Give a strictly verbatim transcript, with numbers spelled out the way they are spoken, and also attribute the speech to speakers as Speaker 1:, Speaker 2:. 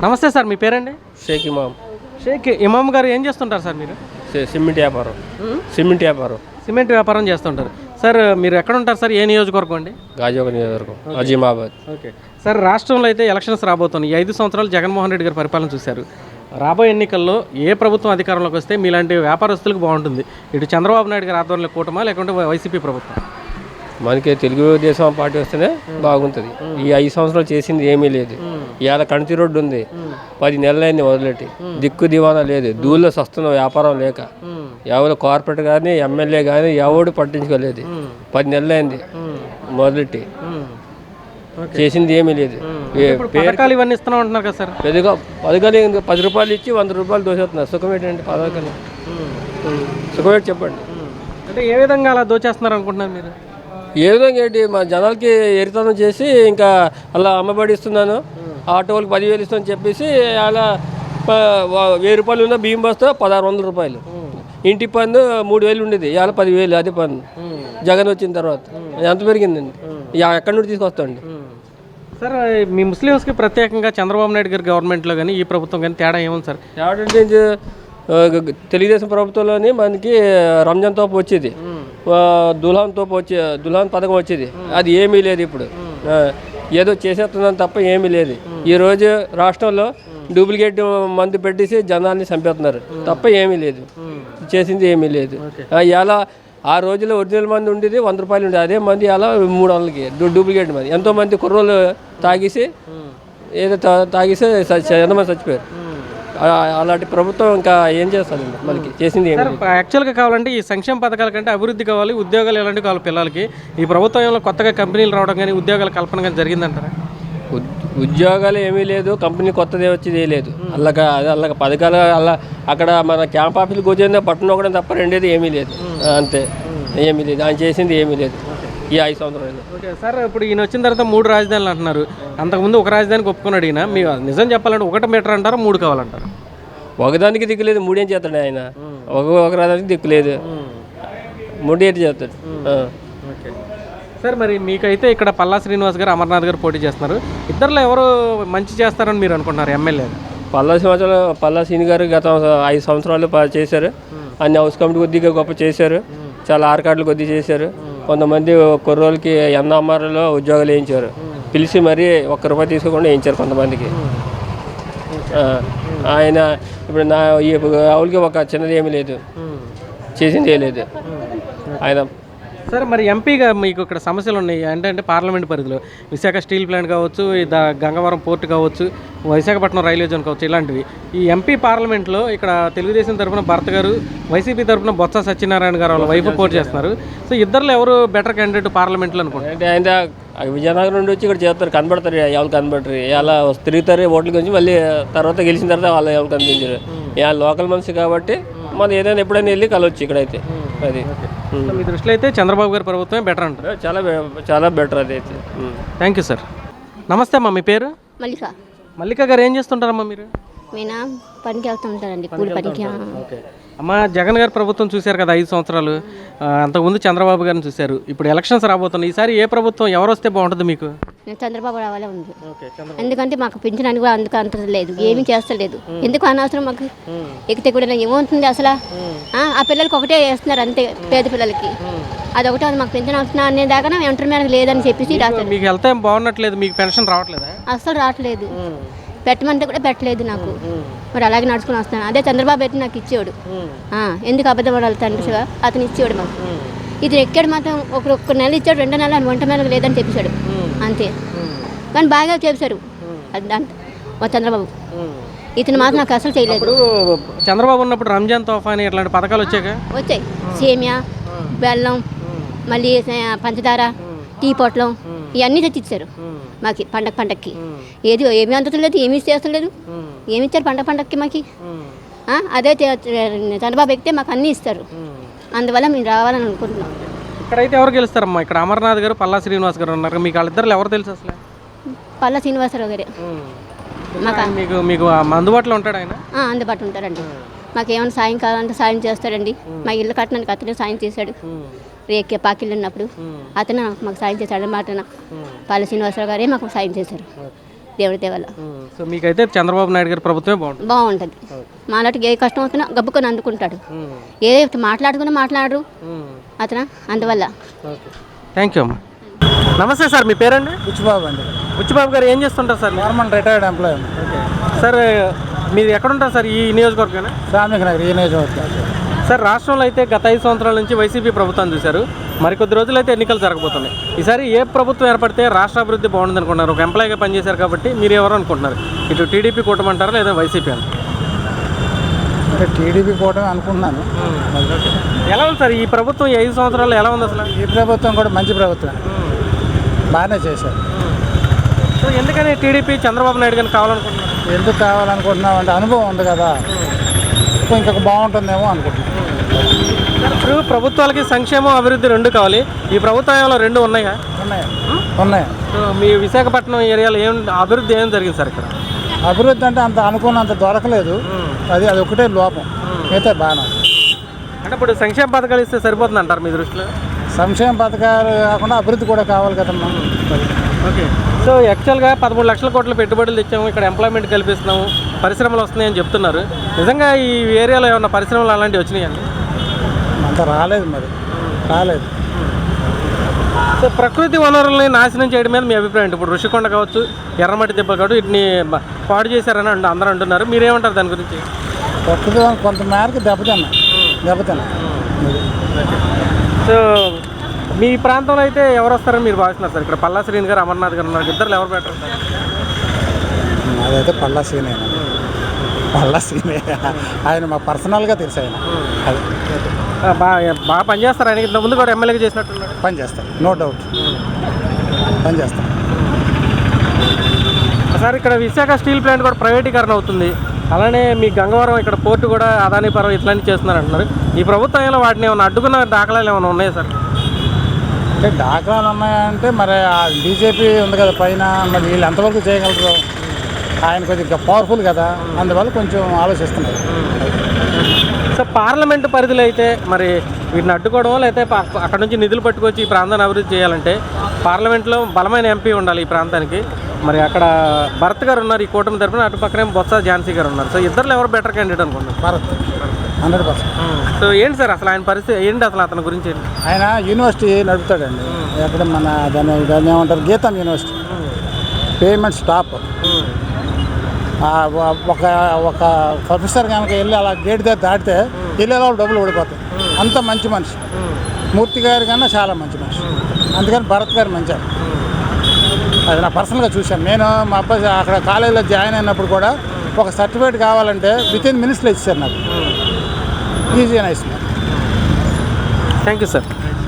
Speaker 1: నమస్తే సార్, మీ పేరండి?
Speaker 2: షేక్ ఇమామ్.
Speaker 1: షేక్ ఇమామ్ గారు ఏం చేస్తుంటారు సార్ మీరు?
Speaker 2: సిమెంట్ వ్యాపారం. సిమెంట్ వ్యాపారం
Speaker 1: సిమెంట్ వ్యాపారం చేస్తుంటారు సార్. మీరు ఎక్కడ ఉంటారు సార్? ఏ నియోజకవర్గం అండి?
Speaker 2: గాజువాక నియోజకవర్గం, అజీమాబాద్.
Speaker 1: ఓకే సార్, రాష్ట్రంలో అయితే ఎలక్షన్స్ రాబోతున్నాయి. ఈ ఐదు సంవత్సరాలు జగన్మోహన్ రెడ్డి గారి పరిపాలన చూశారు. రాబోయే ఎన్నికల్లో ఏ ప్రభుత్వం అధికారంలోకి వస్తే మీలాంటి వ్యాపారస్తులకు బాగుంటుంది? ఇటు చంద్రబాబు నాయుడు గారి ఆధ్వర్యంలో కూటమా, లేకుంటే వైసీపీ ప్రభుత్వం?
Speaker 2: మనకి తెలుగుదేశం పార్టీ వస్తేనే బాగుంటుంది. ఈ ఐదు సంవత్సరాలు చేసింది ఏమీ లేదు. ఇవాళ కణతి రోడ్డు ఉంది, పది నెలలైంది వదిలేటి, దిక్కు దివానా లేదు. దూల్లో సస్తున్న వ్యాపారం లేక ఎవరు కార్పొరేట్ కానీ ఎమ్మెల్యే కానీ ఎవడు పట్టించుకోలేదు. పది నెలలైంది మొదలెట్టి, చేసింది ఏమీ లేదు.
Speaker 1: పథకాలు ఇవన్నీ ఇస్తున్నాం అంటున్నారు కదా సార్?
Speaker 2: పెద్దగా పథకాలు పది రూపాయలు ఇచ్చి వంద రూపాయలు దోచేస్తున్నారు. సుఖం ఏంటంటే పథకాలు సుఖం ఏంటి చెప్పండి.
Speaker 1: అంటే ఏ విధంగా అలా దోచేస్తున్నారు అనుకుంటున్నారు మీరు?
Speaker 2: ఏ విధంగా ఏంటి, మా జనాలకి ఎరితనం చేసి ఇంకా అలా అమ్మబడి ఇస్తున్నాను, ఆటో వాళ్ళకి పదివేలు ఇస్తానని చెప్పేసి అలా వెయ్యి రూపాయలు ఉన్న బియ్యం బస్తా పదహారు వందల రూపాయలు, ఇంటి పన్ను మూడు వేలు ఉండేది, ఇవాళ పదివేలు అదే పన్ను జగన్ వచ్చిన తర్వాత. ఎంత పెరిగిందండి? ఎక్కడి నుండి తీసుకొస్తాండి
Speaker 1: సార్? మీ ముస్లిమ్స్కి ప్రత్యేకంగా చంద్రబాబు నాయుడు గారి గవర్నమెంట్లో కానీ ఈ ప్రభుత్వం కానీ తేడా ఏముంది సార్?
Speaker 2: తేడా అంటే తెలుగుదేశం ప్రభుత్వంలోని మనకి రంజాన్ తోపు వచ్చేది, దుల్హాన్ తోపు వచ్చే దుల్హాన్ పథకం వచ్చేది, అది ఏమీ లేదు. ఇప్పుడు ఏదో చేసేస్తున్నాను తప్ప ఏమీ లేదు. ఈరోజు రాష్ట్రంలో డూప్లికేట్ మందు పెట్టేసి జనాల్ని చంపేస్తున్నారు తప్ప ఏమీ లేదు, చేసింది ఏమీ లేదు. ఇలా ఆ రోజుల్లో ఒరిజినల్ మంది ఉండేది వంద రూపాయలు ఉండేది, అదే మంది అలా మూడు వందలకి డూప్లికేట్ మంది. ఎంతోమంది కుర్రోళ్ళు తాగేసి ఏదో తాగేసి ఎంతమంది చచ్చిపోయారు. అలాంటి ప్రభుత్వం ఇంకా ఏం చేస్తారండి మనకి? చేసింది ఏమి?
Speaker 1: యాక్చువల్గా కావాలంటే ఈ సంక్షేమ పథకాల కంటే అభివృద్ధి కావాలి, ఉద్యోగాలు ఎలాంటివి కావాలి పిల్లలకి. ఈ ప్రభుత్వంలో కొత్తగా కంపెనీలు రావడం కానీ ఉద్యోగాల కల్పన కానీ జరిగిందంటారా?
Speaker 2: ఉద్యోగాలు ఏమీ లేదు, కంపెనీ కొత్తదే వచ్చేది లేదు. అలాగా అదే అలాగ పథకాలు అలా అక్కడ మన క్యాంప్ ఆఫీస్కి కూర్చొని పట్టణం ఒకటి తప్ప రెండేది ఏమీ లేదు. అంతే, ఏమీ లేదు. ఆయన చేసింది ఏమీ లేదు ఈ ఐదు సంవత్సరాలు.
Speaker 1: ఓకే సార్, ఇప్పుడు ఈయన వచ్చిన తర్వాత మూడు రాజధానులు అంటున్నారు. అంతకుముందు ఒక రాజధానికి ఒప్పుకున్నాడు ఈయన. మీ నిజం చెప్పాలంటే ఒకటి మీటర్ అంటారా, మూడు కావాలంటారు?
Speaker 2: ఒకదానికి దిక్కులేదు, మూడేం చేస్తాడు ఆయన? ఒక ఒక రాజధానికి దిక్కులేదు, మూడేటి చేస్తాడు.
Speaker 1: ఓకే సార్, మరి మీకైతే ఇక్కడ పల్లా శ్రీనివాస్ గారు, అమర్నాథ్ గారు పోటీ చేస్తున్నారు. ఇద్దరులో ఎవరు మంచి చేస్తారని మీరు అనుకుంటున్నారు ఎమ్మెల్యే?
Speaker 2: పల్లా సంవత్సరాలు పల్లా శ్రీని గారు గత ఐదు సంవత్సరాలు చేశారు. అన్ని హౌస్ కమిటీ కొద్దిగా గొప్ప చేశారు, చాలా ఆర్కార్డులు కొద్దిగా చేశారు. కొంతమంది కుర్రోళ్ళకి ఎన్ఆర్ఆర్లో ఉద్యోగాలు వేయించారు, పిలిచి మరీ ఒక్క రూపాయి తీసుకోకుండా వేయించారు కొంతమందికి. ఆయన ఇప్పుడు నా ఈ ఆవులకి ఒక చిన్నది ఏమీ లేదు, చేసింది ఏ లేదు ఆయన.
Speaker 1: సార్, మరి ఎంపీగా మీకు ఇక్కడ సమస్యలు ఉన్నాయి ఏంటంటే పార్లమెంట్ పరిధిలో విశాఖ స్టీల్ ప్లాంట్ కావచ్చు, ద గంగవరం పోర్ట్ కావచ్చు, విశాఖపట్నం రైల్వే జోన్ కావచ్చు, ఇలాంటివి. ఈ ఎంపీ పార్లమెంట్లో ఇక్కడ తెలుగుదేశం తరఫున భర్త గారు, వైసీపీ తరఫున బొత్స సత్యనారాయణ గారు వాళ్ళ వైఫ్ పోటీ చేస్తున్నారు. సో ఇద్దరులో ఎవరు బెటర్ క్యాండిడేట్ పార్లమెంట్లో అనుకుంటారు?
Speaker 2: అంటే ఆయన విజయనగరం నుండి వచ్చి ఇక్కడ చేస్తారు, కనబడతారు, ఎవరు కనబడరు, ఇలా తిరుగుతారు ఓట్ల గురించి. మళ్ళీ తర్వాత గెలిచిన తర్వాత వాళ్ళు ఎవరు కనిపించారు. ఇలా లోకల్ మనిషి కాబట్టి మనం ఏదైనా ఎప్పుడైనా వెళ్ళి కలవచ్చు ఇక్కడైతే. అది
Speaker 1: మీ దృష్టిలో అయితే చంద్రబాబు గారి ప్రభుత్వమే బెటర్ అంటారు?
Speaker 2: చాలా చాలా బెటర్ అది అయితే.
Speaker 1: Thank you sir. నమస్తే అమ్మా, మీ పేరు?
Speaker 3: మల్లిక.
Speaker 1: మల్లిక గారు ఏం చేస్తుంటారమ్మా మీరు?
Speaker 3: మీనా పనికి వెళ్తుంటారండి, కూలి పనికి.
Speaker 1: ఓకే అమ్మ, జగన్ గారి ప్రభుత్వం చూశారు కదా ఐదు సంవత్సరాలు. అంతకుముందు చంద్రబాబు గారిని చూశారు. ఇప్పుడు ఎలక్షన్స్ రాబోతున్నాయి. ఈసారి ఏ ప్రభుత్వం ఎవరు వస్తే బాగుంటుంది మీకు?
Speaker 3: చంద్రబాబు రావాలే ఉంది. ఎందుకంటే మాకు పింఛన్ కూడా అందుకు అంత లేదు, ఏమీ చేస్తలేదు. ఎందుకు అనవసరం మాకు? ఎక్కితే కూడా ఏమవుతుంది అసలు? ఆ పిల్లలకి ఒకటే వేస్తున్నారు అంతే, పేద పిల్లలకి. అదొకటే మాకు పెన్షన్ వస్తున్నా అనే దాకా వెంటనే మనకు లేదని చెప్పేసి రాస్తారు.
Speaker 1: మీకు హెల్త్ ఏం బాగున్నట్లేదు, మీకు పెన్షన్ రావట్లేదు?
Speaker 3: అసలు రావట్లేదు, పెట్టమంటే కూడా పెట్టలేదు నాకు. మరి అలాగే నడుచుకుని వస్తాను. అదే చంద్రబాబు అయితే నాకు ఇచ్చేవాడు. ఎందుకు అబద్ధం పడాలి తండ్రి, అతను ఇచ్చేవాడు మాకు. ఇది ఎక్కాడు మాత్రం ఒక ఒక్క నెల ఇచ్చాడు, రెండో నెల వంట మేళకు లేదని చెప్పేశాడు అంతే. కానీ బాగా చేశారు అది దాంట్లో మా చంద్రబాబు. ఇతను మాత్రం నాకు అసలు చేయలేదు.
Speaker 1: చంద్రబాబు ఉన్నప్పుడు రంజాన్ తోఫా అని ఇట్లాంటి పథకాలు వచ్చాక
Speaker 3: వచ్చాయి. సేమియా, బెల్లం, మళ్ళీ పంచదార, టీ పొట్లం ఇవన్నీ తెచ్చిచ్చారు మాకు పండగ పండగకి. ఏది ఏమీ అందుతలేదు, ఏమీ చేస్తలేదు. ఏమి ఇచ్చారు పండగ పండగకి మాకు? అదే చంద్రబాబు ఎక్కితే మాకు అన్నీ ఇస్తారు. అందువల్ల మేము రావాలని అనుకుంటున్నాం.
Speaker 1: ఇక్కడైతే ఎవరు గెలుస్తారమ్మా? ఇక్కడ అమర్నాథ్ గారు, పల్లా శ్రీనివాస్ గారు ఉన్నారు. మీకు వాళ్ళిద్దరు ఎవరు తెలుసు అసలు?
Speaker 3: పల్లా శ్రీనివాసరావు గారే మాకు. మీకు
Speaker 1: మీకు అందుబాటులో ఉంటాడు ఆయన?
Speaker 3: అందుబాటులో ఉంటారండి. మాకు ఏమైనా సాయం కావాలంటే సాయం చేస్తాడండి. మా ఇల్లు కట్టడానికి అతనే సాయం చేశాడు. రేకే పాకిళ్ళు ఉన్నప్పుడు అతను మాకు సాయం చేశాడు అన్నమాట. పల్లా శ్రీనివాసరావు గారే మాకు సాయం చేశారు. దేవుడి దేవల్ల
Speaker 1: సో మీకైతే చంద్రబాబు నాయుడు గారి ప్రభుత్వమే బాగుంటుంది.
Speaker 3: బాగుంటుంది. మాలాంటికి ఏ కష్టం వచ్చినా గబ్బుకొని అందుకుంటాడు. ఏ మాట్లాడుకున్నా మాట్లాడరు అతను, అందువల్ల.
Speaker 1: థ్యాంక్ యూ అమ్మా. నమస్తే సార్, మీ పేరండి?
Speaker 4: బుచ్చిబాబు అండి.
Speaker 1: బుచ్చిబాబు గారు ఏం చేస్తుంటారు sir?
Speaker 4: Government retired employee.
Speaker 1: Okay sir, మీరు ఎక్కడుంటారు సార్? ఈ నియోజకవర్గం
Speaker 4: శ్రామిక నగర్ ఈ నియోజకవర్గం.
Speaker 1: సార్, రాష్ట్రంలో అయితే గత ఐదు సంవత్సరాల నుంచి వైసీపీ ప్రభుత్వాన్ని చూశారు. మరికొద్ది రోజులు అయితే ఎన్నికలు జరగబోతున్నాయి. ఈసారి ఏ ప్రభుత్వం ఏర్పడితే రాష్ట్ర అభివృద్ధి బాగుంటుంది అనుకుంటున్నారు? ఒక ఎంప్లాయీగా పనిచేశారు కాబట్టి మీరు ఎవరు అనుకుంటున్నారు? ఇటు టీడీపీ కూటమి అంటారా లేదా వైసీపీ అని?
Speaker 4: అంటే టీడీపీ కూటమి అనుకుంటున్నాను.
Speaker 1: ఎలా ఉంది సార్ ఈ ప్రభుత్వం? ఈ ఐదు సంవత్సరాలు ఎలా ఉంది అసలు?
Speaker 4: ఈ ప్రభుత్వం కూడా మంచి ప్రభుత్వం, బాగానే చేశారు.
Speaker 1: సో ఎందుకని టీడీపీ చంద్రబాబు నాయుడు గారిని కావాలనుకుంటున్నారు?
Speaker 4: ఎందుకు కావాలనుకుంటున్నాం అంటే అనుభవం ఉంది కదా, ఇంకొక బాగుంటుందేమో అనుకుంటున్నాం.
Speaker 1: ఇప్పుడు ప్రభుత్వాలకి సంక్షేమం అభివృద్ధి రెండు కావాలి. ఈ ప్రభుత్వంలో రెండు ఉన్నాయా?
Speaker 4: ఉన్నాయి ఉన్నాయి.
Speaker 1: సో మీ విశాఖపట్నం ఏరియాలో ఏం అభివృద్ధి ఏం జరిగింది సార్ ఇక్కడ?
Speaker 4: అభివృద్ధి అంటే అంత అనుకున్నంత దొరకలేదు, అది అది ఒకటే లోపం, అయితే బాగానే.
Speaker 1: అంటే ఇప్పుడు సంక్షేమ పథకాలు ఇస్తే సరిపోతుంది అంటారు మీ దృష్టిలో?
Speaker 4: సంక్షేమ పథకాలు కాకుండా అభివృద్ధి కూడా కావాలి కదమ్మా.
Speaker 1: ఓకే. సో యాక్చువల్గా పదమూడు లక్షల కోట్ల పెట్టుబడులు తెచ్చాము, ఇక్కడ ఎంప్లాయ్మెంట్ కల్పిస్తున్నాము, పరిశ్రమలు వస్తున్నాయని చెప్తున్నారు. నిజంగా ఈ ఏరియాలో ఏమన్నా పరిశ్రమలు అలాంటివి వచ్చినాయండి?
Speaker 4: అంత రాలేదు, మరి రాలేదు.
Speaker 1: సో ప్రకృతి వనరుల్ని నాశనం చేయడం మీద మీ అభిప్రాయం ఏంటి? ఇప్పుడు ఋషికొండ కావచ్చు, ఎర్రమట్టి దెబ్బలు కావచ్చు, వీటిని పాడు చేశారని అంట అందరూ అంటున్నారు. మీరేమంటారు దాని గురించి?
Speaker 4: ప్రకృతి కొంత మేరకు దెబ్బతిన్నా దెబ్బతిన్నా
Speaker 1: సో మీ ప్రాంతంలో అయితే ఎవరు వస్తారని మీరు భావిస్తున్నారు సార్? ఇక్కడ పల్లా శ్రీని గారు, అమర్నాథ్ గారు ఉన్నారు, ఇద్దరు ఎవరు బెటర్ సార్?
Speaker 4: అదైతే పల్లా సీనే పల్లా సీనే ఆయన మా పర్సనల్గా తెలుసు. ఆయన అది
Speaker 1: బాగా బాగా పనిచేస్తారు. ఆయనకి ఇంత ముందు కూడా ఎమ్మెల్యేగా చేసినట్టున్నారు.
Speaker 4: పని చేస్తారు, నో డౌట్ పని చేస్తారు
Speaker 1: సార్. ఇక్కడ విశాఖ స్టీల్ ప్లాంట్ కూడా ప్రైవేటీకరణ అవుతుంది. అలానే మీ గంగవరం ఇక్కడ పోర్టు కూడా అదానీ పర్వం ఇట్లాంటివి చేస్తున్నారు అంటున్నారు. ఈ ప్రభుత్వంలో వాటిని ఏమైనా అడ్డుకున్న దాఖలాలు ఏమైనా ఉన్నాయా సార్?
Speaker 4: అంటే దాఖలాలు ఉన్నాయంటే మరి బీజేపీ ఉంది కదా పైన, మరి వీళ్ళు ఎంతవరకు చేయగలరు? ఆయన కొద్దిగా పవర్ఫుల్ కదా, అందువల్ల కొంచెం ఆలోచిస్తున్నారు.
Speaker 1: సో పార్లమెంటు పరిధిలో అయితే మరి వీటిని అడ్డుకోవడం, లేకపోతే అక్కడ నుంచి నిధులు పట్టుకొచ్చి ఈ ప్రాంతాన్ని అభివృద్ధి చేయాలంటే పార్లమెంట్లో బలమైన ఎంపీ ఉండాలి ఈ ప్రాంతానికి. మరి అక్కడ భరత్ గారు ఉన్నారు ఈ కూటమి తరఫున, అటు పక్కనే బొత్స ఝాన్సీ గారు ఉన్నారు. సో ఇద్దరు ఎవరు బెటర్ క్యాండిడేట్ అనుకుంటున్నారు?
Speaker 4: Bharat hundred percent.
Speaker 1: సో ఏంటి సార్ అసలు ఆయన పరిస్థితి ఏంటి? అసలు అతని గురించి ఏంటి?
Speaker 4: ఆయన యూనివర్సిటీ నడుపుతాడండి, ఎక్కడ మన దాన్ని దాన్ని ఏమంటారు, గీతం యూనివర్సిటీ. Payment stop. ఒక ఒక ప్రొఫెసర్ కనుక వెళ్ళి అలా గేట్ దగ్గర దాటితే వెళ్ళేలా డబ్బులు ఓడిపోతాయి. అంత మంచి మనిషి. మూర్తి గారి కన్నా చాలా మంచి మనిషి. అందుకని భరత్ గారు మంచి. అది నా పర్సనల్గా చూశాను. నేను మా అబ్బాయి అక్కడ కాలేజీలో జాయిన్ అయినప్పుడు కూడా ఒక సర్టిఫికేట్ కావాలంటే విత్ ఇన్ మినిట్స్లో ఇచ్చారు నాకు. Easy nice.
Speaker 1: Thank you sir.